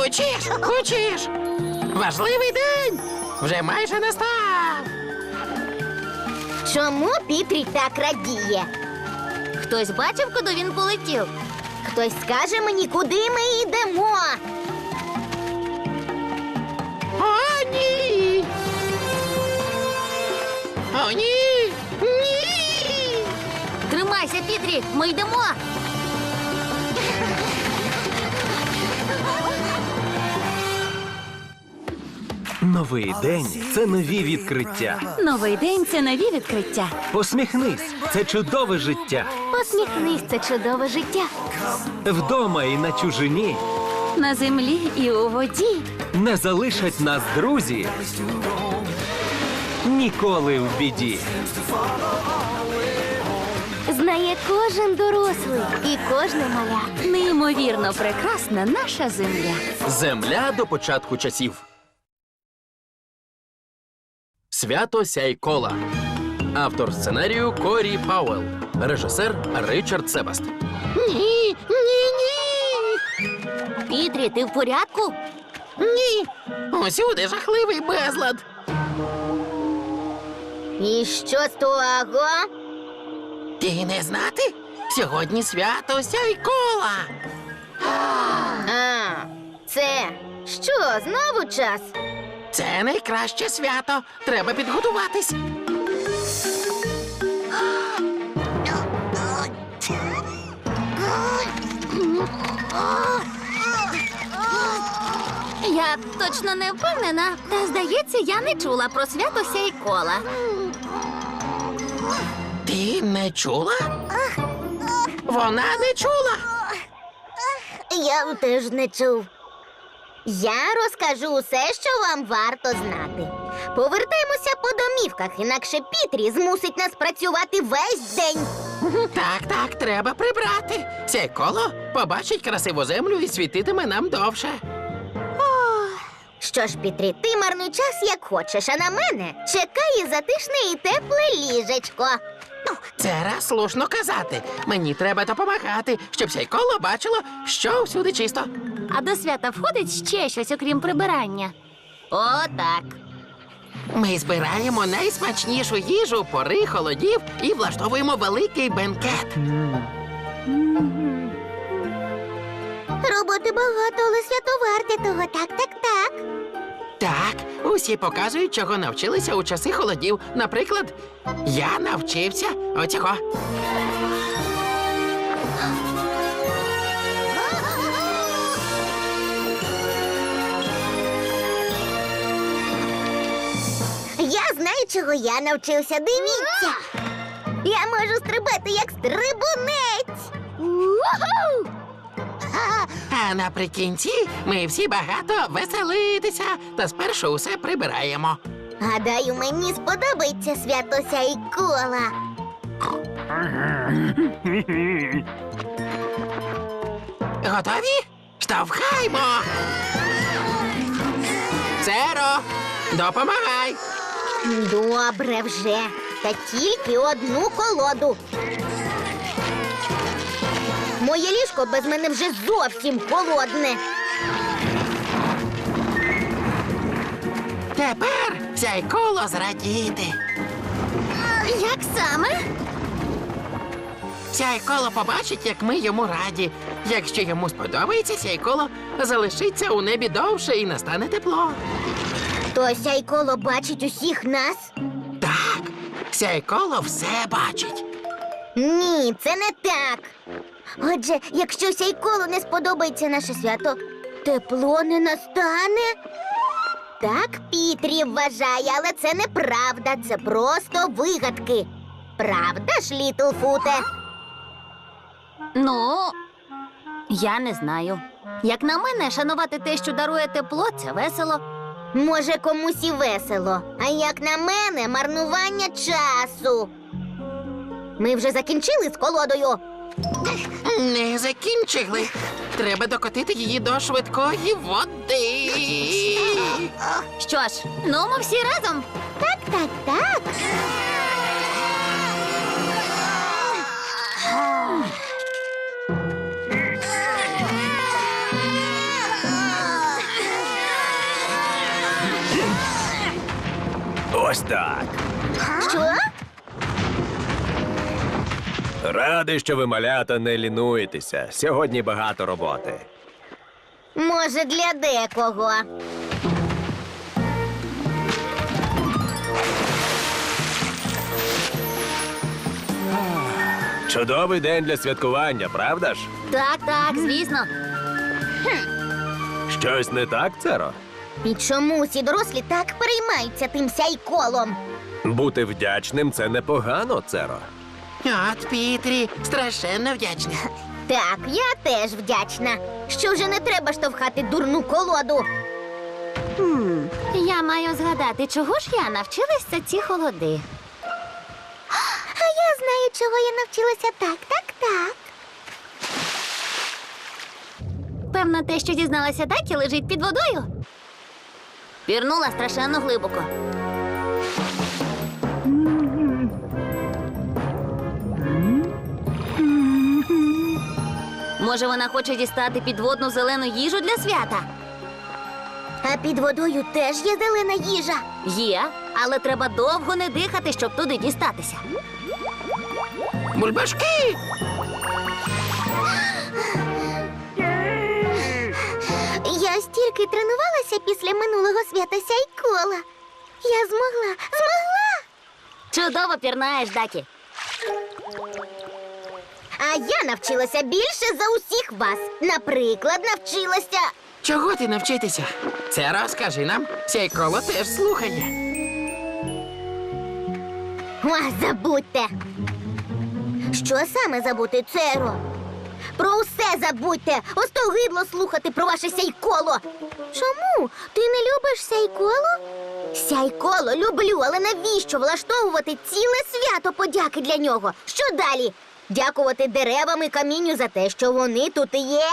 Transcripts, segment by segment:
Хочеш? Важливий день! Вже майже настав! Чому Пітрі так радіє? Хтось бачив, куди він полетів? Хтось скаже мені, куди ми йдемо? О, ні! О, ні! Ні! Тримайся, Пітрі, ми йдемо! Новий день – це нові відкриття. Новий день – це нові відкриття. Посміхнись – це чудове життя. Посміхнись, це чудове життя. Вдома і на чужині На землі і у воді. не залишать нас друзі. Ніколи в біді. Знає кожен дорослий і кожне маля. Неймовірно прекрасна наша земля. Земля до початку часів. Свято Сяйкола. Автор сценарію Корі Пауелл. Режисер Ричард Себаст. Ні! Ні! Ні! Пітрі, ти в порядку? Ні! Усюди жахливий безлад! І що з того? Ти не знати? Сьогодні свято Сяйкола! А, це що, знову час? Це найкраще свято. Треба підготуватись. Я точно не впевнена, та, здається, я не чула про свято Сяйкола. Ти не чула? Вона не чула. Я теж не чув. Я розкажу усе, що вам варто знати. Повертаємося по домівках, інакше Пітрі змусить нас працювати весь день. Так, треба прибрати. Сяйколо побачить красиву землю і світитиме нам довше. Що ж, Пітрі, ти марнуй час, як хочеш, а на мене чекає затишне і тепле ліжечко. Це раз слушно казати. Мені треба допомагати, щоб Сяйколо бачило, що всюди чисто. А до свята входить ще щось, окрім прибирання. О, так. Ми збираємо найсмачнішу їжу пори холодів і влаштовуємо великий бенкет. Роботи багато, але свято варте того. Так. Так, усі показують, чого навчилися у часи холодів. Наприклад, я навчився оцього. Я знаю, чого я навчився. Дивіться. Я можу стрибати, як стрибунець. Уху! А наприкінці ми всі багато веселитися, та спершу усе прибираємо. Гадаю, мені сподобається свято Сяйкола. Готові? Штовхаймо! Церо, допомагай! Добре вже. Та тільки одну колоду. Моє ліжко без мене вже зовсім холодне. Тепер Сяйколо зрадіти. Як саме? Сяйколо побачить, як ми йому раді. Якщо йому сподобається, Сяйколо залишиться у небі довше і настане тепло. То Сяйколо бачить усіх нас? Так, Сяйколо все бачить. Ні, це не так. Отже, якщо Сяйколу не сподобається наше свято, тепло не настане? Так Пітрі вважає, але це неправда, це просто вигадки. Правда ж, Літлфуте? Ну, я не знаю. Як на мене, шанувати те, що дарує тепло, це весело. Може, комусь і весело, а як на мене, марнування часу. Ми вже закінчили з колодою. Не закінчили. Треба докотити її до швидкої води. Що ж, ну ми всі разом. Так. Ось так. Що? Радий, що ви, малята, не лінуєтеся. Сьогодні багато роботи. Може, для декого. Чудовий день для святкування, правда ж? Так, звісно. Щось не так, Церо? І чому всі дорослі так переймаються тим сяйколом? Бути вдячним це непогано, Церо. От, Пітрі, страшенно вдячна. Так, я теж вдячна. Що вже не треба штовхати дурну колоду. Я маю згадати, чого ж я навчилася ці холоди. А я знаю, чого я навчилася. Так. Певно, те, що дізналася Дакі, лежить під водою. Пірнула страшенно глибоко. Може, вона хоче дістати підводну зелену їжу для свята? А під водою теж є зелена їжа. Є, але треба довго не дихати, щоб туди дістатися. Бульбашки! Я стільки тренувалася після минулого свята сяйкола. Я змогла. Чудово пірнаєш, Дакі. А я навчилася більше за усіх вас. Наприклад, навчилася. Чого ти навчитися? Це розкажи нам. Сяйколо теж слухає. Забудьте. Що саме забути, Церо? Про усе забудьте. Остогидло слухати про ваше сяйколо. Чому? Ти не любиш сяйколо? Сяйколо люблю, але навіщо влаштовувати ціле свято подяки для нього? Що далі? Дякувати деревам і камінню за те, що вони тут і є?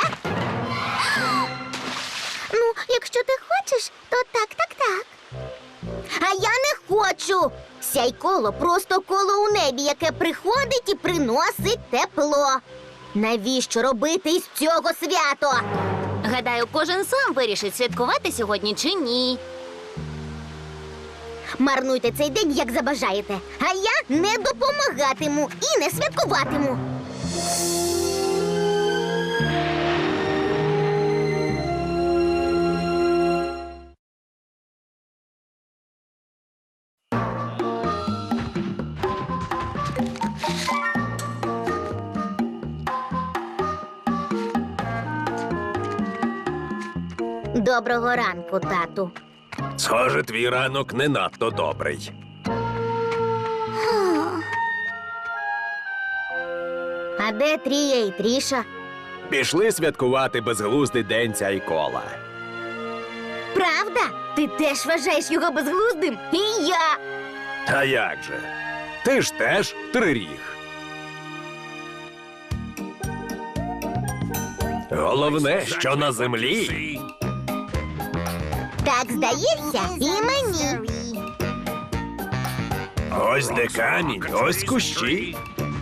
Ну, якщо ти хочеш, то так. А я не хочу. Сяйколо просто коло у небі, яке приходить і приносить тепло. Навіщо робити із цього свято? Гадаю, кожен сам вирішить, святкувати сьогодні чи ні. Марнуйте цей день, як забажаєте. А я не допомагатиму і не святкуватиму. Доброго ранку, тату. Схоже, твій ранок не надто добрий. А де Трія і Тріша? Пішли святкувати безглуздий день сяйкола. Правда? Ти теж вважаєш його безглуздим? І я. А як же? Ти ж теж триріг. Головне, що на землі. Так здається, і мені. Ось де камінь, ось кущі.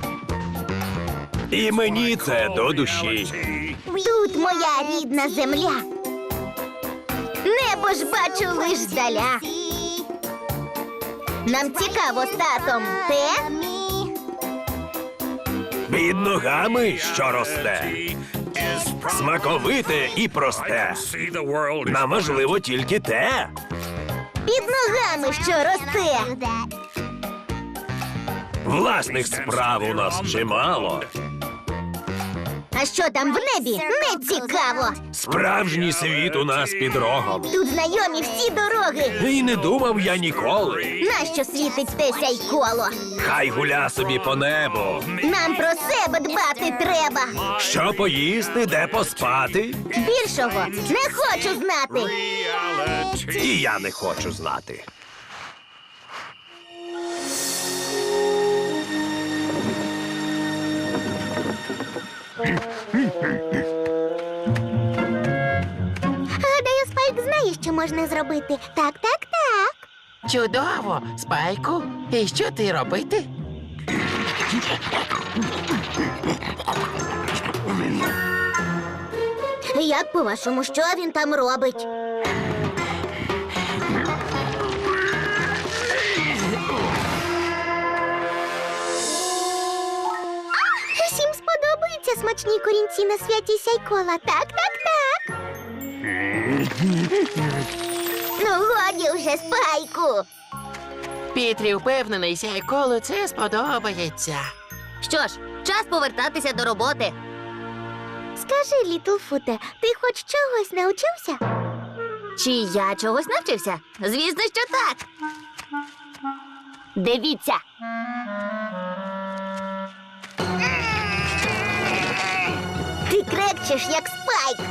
І мені це до душі. Тут моя рідна земля. Небо ж бачу лиш здаля. Нам цікаво з татом те, Під ногами, що росте. Смаковите і просте. Нам важливо тільки те. під ногами, що росте. Власних справ у нас чимало. А що там в небі? Не цікаво. Справжній світ у нас під рогом. Тут знайомі всі дороги. І не думав я ніколи. Нащо світить те сяйколо? Хай гуля собі по небу. Нам про себе дбати треба. Що поїсти, де поспати? Більшого не хочу знати. І я не хочу знати. Гадаю, Спайк знає, що можна зробити. Так. Чудово, Спайку. І що ти робити? Як по-вашому, що він там робить? смачні корінці на святі Сяйкола. Так. Ну, годі вже, Спайку. Пітрі впевнений, Сяйколу це сподобається. Що ж, час повертатися до роботи. Скажи, Літлфуте, ти хоч чогось навчився? Чи я чогось навчився? Звісно, що так. Дивіться. Ти крекчеш, як Спайк.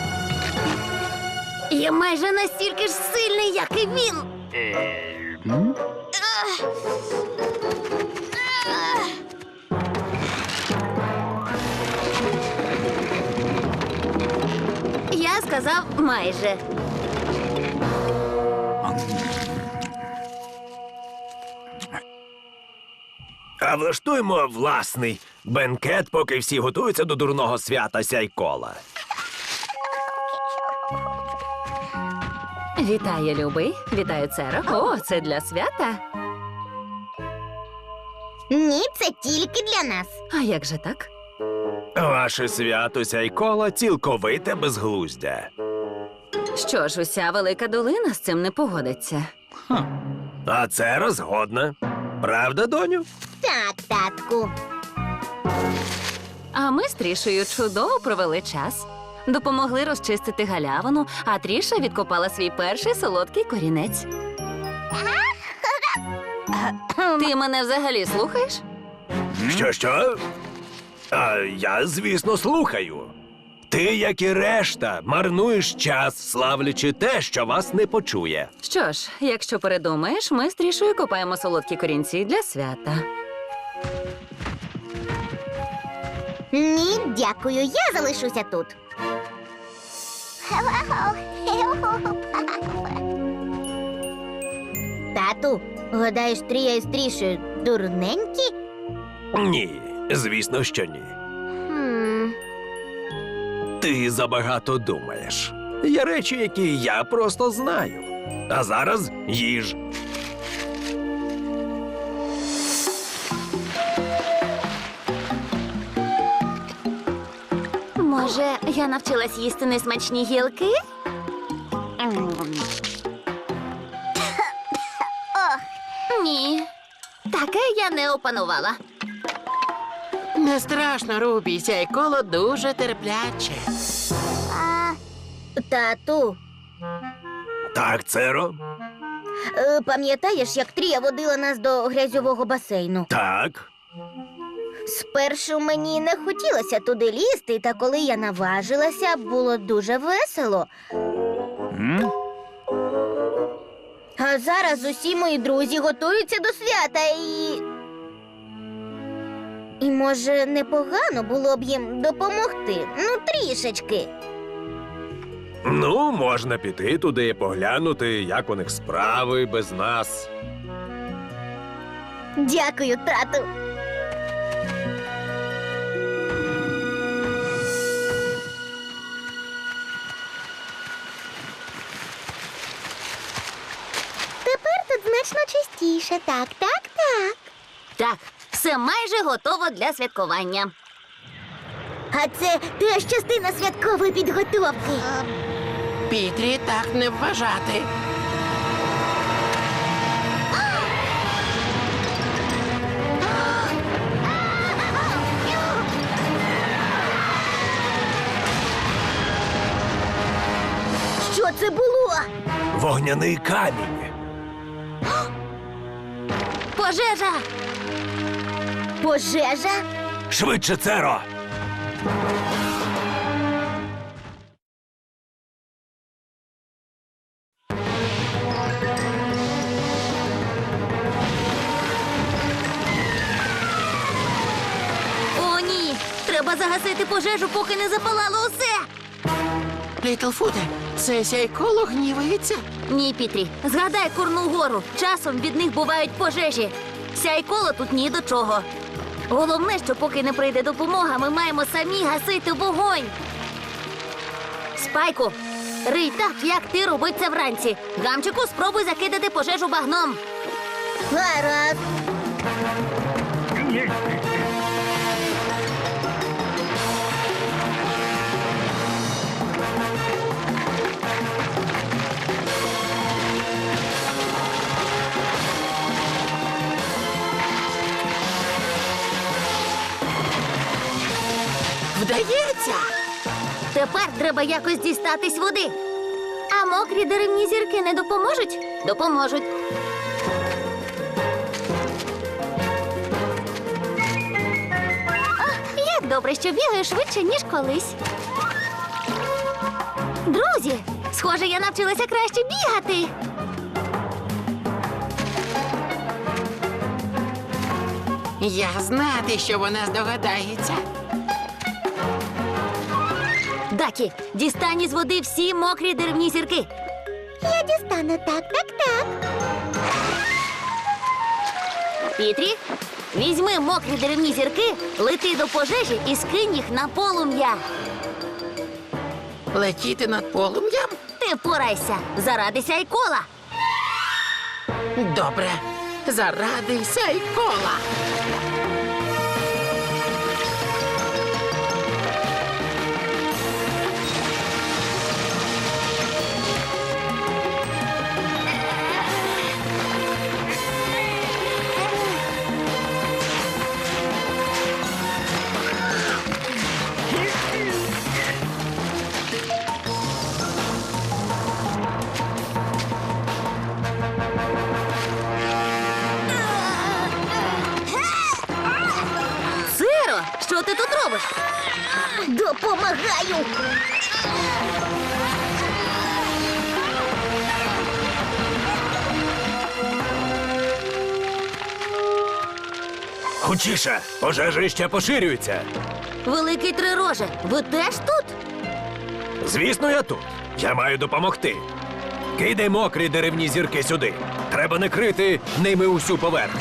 Я майже настільки ж сильний, як і він. Я сказав майже. А влаштуємо власний бенкет, поки всі готуються до дурного свята Сяйкола. Вітаю, любий. Вітаю, Церо. О, це для свята. Ні, це тільки для нас. А як же так? Ваше свято Сяйкола цілковите безглуздя. Що ж, уся велика долина з цим не погодиться. А це розгодна. Правда, доню? Так, татку. А ми з Трішею чудово провели час. Допомогли розчистити галявину, а Тріша відкопала свій перший солодкий корінець. Ти мене взагалі слухаєш? Що? А я, звісно, слухаю. Ти, як і решта, марнуєш час, славлячи те, що вас не почує. Що ж, якщо передумаєш, ми з Трішею копаємо солодкі корінці для свята. Ні, дякую, я залишуся тут. Тату, гадаєш, Трія із Трішею дурненькі? Ні, звісно, що ні. Хм. Ти забагато думаєш. Є речі, які я просто знаю. А зараз їж. Може, я навчилась їсти несмачні гілки? Ні, таке я не опанувала. Не страшно, Рубі, Сяйколо дуже терпляче. Тату, Так, Церо? пам'ятаєш, як Трія водила нас до грязьового басейну? Так. Спершу мені не хотілося туди лізти, та коли я наважилася, було дуже весело. А зараз усі мої друзі готуються до свята і. І, може, непогано було б їм допомогти. Ну, трішечки. Ну, можна піти туди і поглянути, як у них справи без нас. Дякую, тату. Тепер тут значно чистіше. Так. Так, все майже готово для святкування. А це теж частина святкової підготовки. Пітрі так не вважати. Що це було? Вогняний камінь. Пожежа! Пожежа? Швидше, Церо! О, ні! Треба загасити пожежу, поки не запалало усе! Літлфуте, це Сяйколо гнівається? Ні, Пітрі, згадай Курну гору. Часом від них бувають пожежі. Сяйколо тут ні до чого. Головне, що поки не прийде допомога, ми маємо самі гасити вогонь. Спайку, рий так, як ти робив це вранці. Гамчику, спробуй закидати пожежу багном. Гаразд. Вдається! Тепер треба якось дістатись води. А мокрі деревні зірки не допоможуть? Допоможуть. О, як добре, що бігаю швидше, ніж колись. Друзі, схоже, я навчилася краще бігати. Я знати, що вона здогадається. Дакі, дістань із води всі мокрі деревні зірки. Я дістану так. Пітрі, візьми мокрі деревні зірки, лети до пожежі і скинь їх на полум'я. Летіти над полум'ям? Ти впорайся заради Сяйкола. Добре. Заради Сяйкола. Сиро, що ти тут робиш? Допомагаю. Хутчіше, пожежа ще поширюється. Великий Трироже, ви теж тут? Звісно, я тут. Я маю допомогти. Кидай мокрі деревні зірки сюди. Треба накрити ними усю поверхню.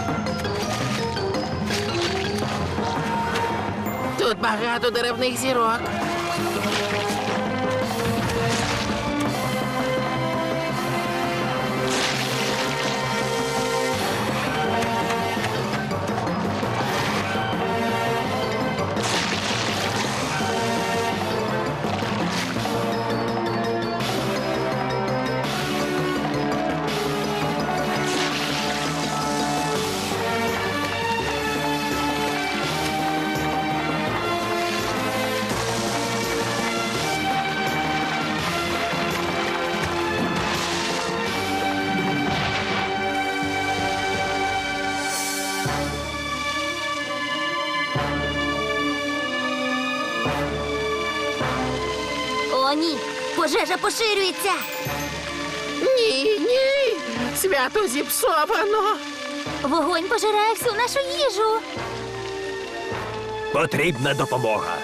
Тут багато деревних зірок. О, ні, пожежа поширюється. Ні. Свято зіпсовано. Вогонь пожирає всю нашу їжу. Потрібна допомога.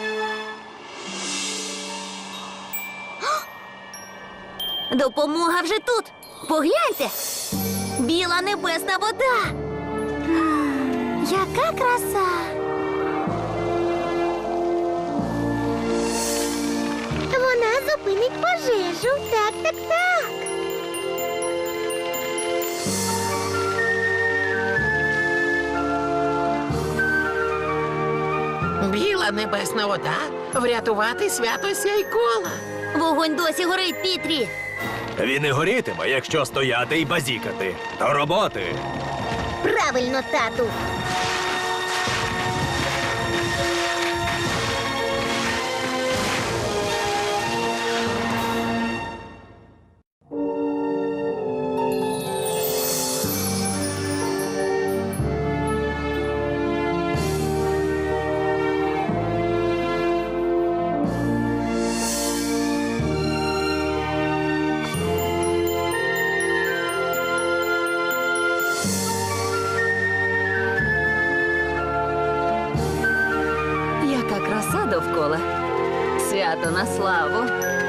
Допомога вже тут. Погляньте. Біла небесна вода. Яка краса. Вона зупинить пожежу. Так. Біла небесна вода. Врятувати свято Сяйкола. Вогонь досі горить, Пітрі. Він і горітиме, якщо стояти і базікати. До роботи. Правильно, тату. Яка краса довкола. Свято на славу.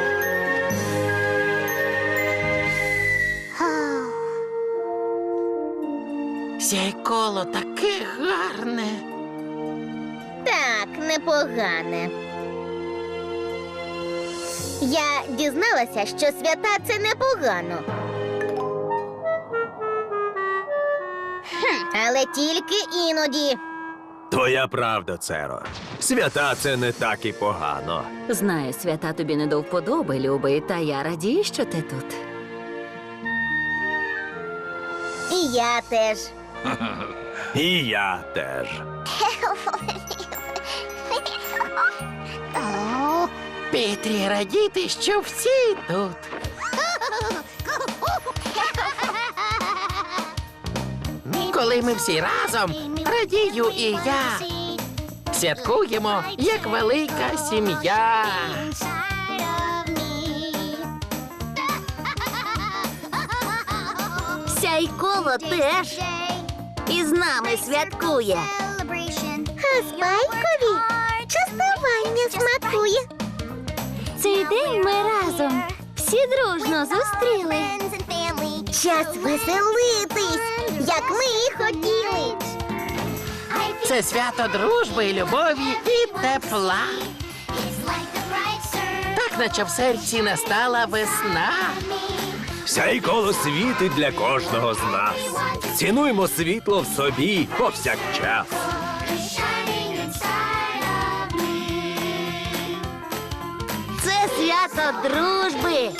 Сяйколо таке гарне. Так, непогане. Я дізналася, що свята це непогано. Але тільки іноді. Твоя правда, Церо. Свята це не так і погано. Знаю, свята тобі не до вподоби, любий, та я радію, що ти тут. І я теж. І я теж. Пітрі, радіти, що всі тут. Коли ми всі разом, радію і я. Святкуємо, як велика сім'я. Сяйколо теж із нами святкує. А Спайкові частування смакує. Цей день ми разом всі дружно зустріли. Час веселитись, як ми і хотіли. Це свято дружби, любові і тепла. Так, наче в серці настала весна. Сяйколо світить для кожного з нас. Цінуймо світло в собі повсякчас. Це свято дружби.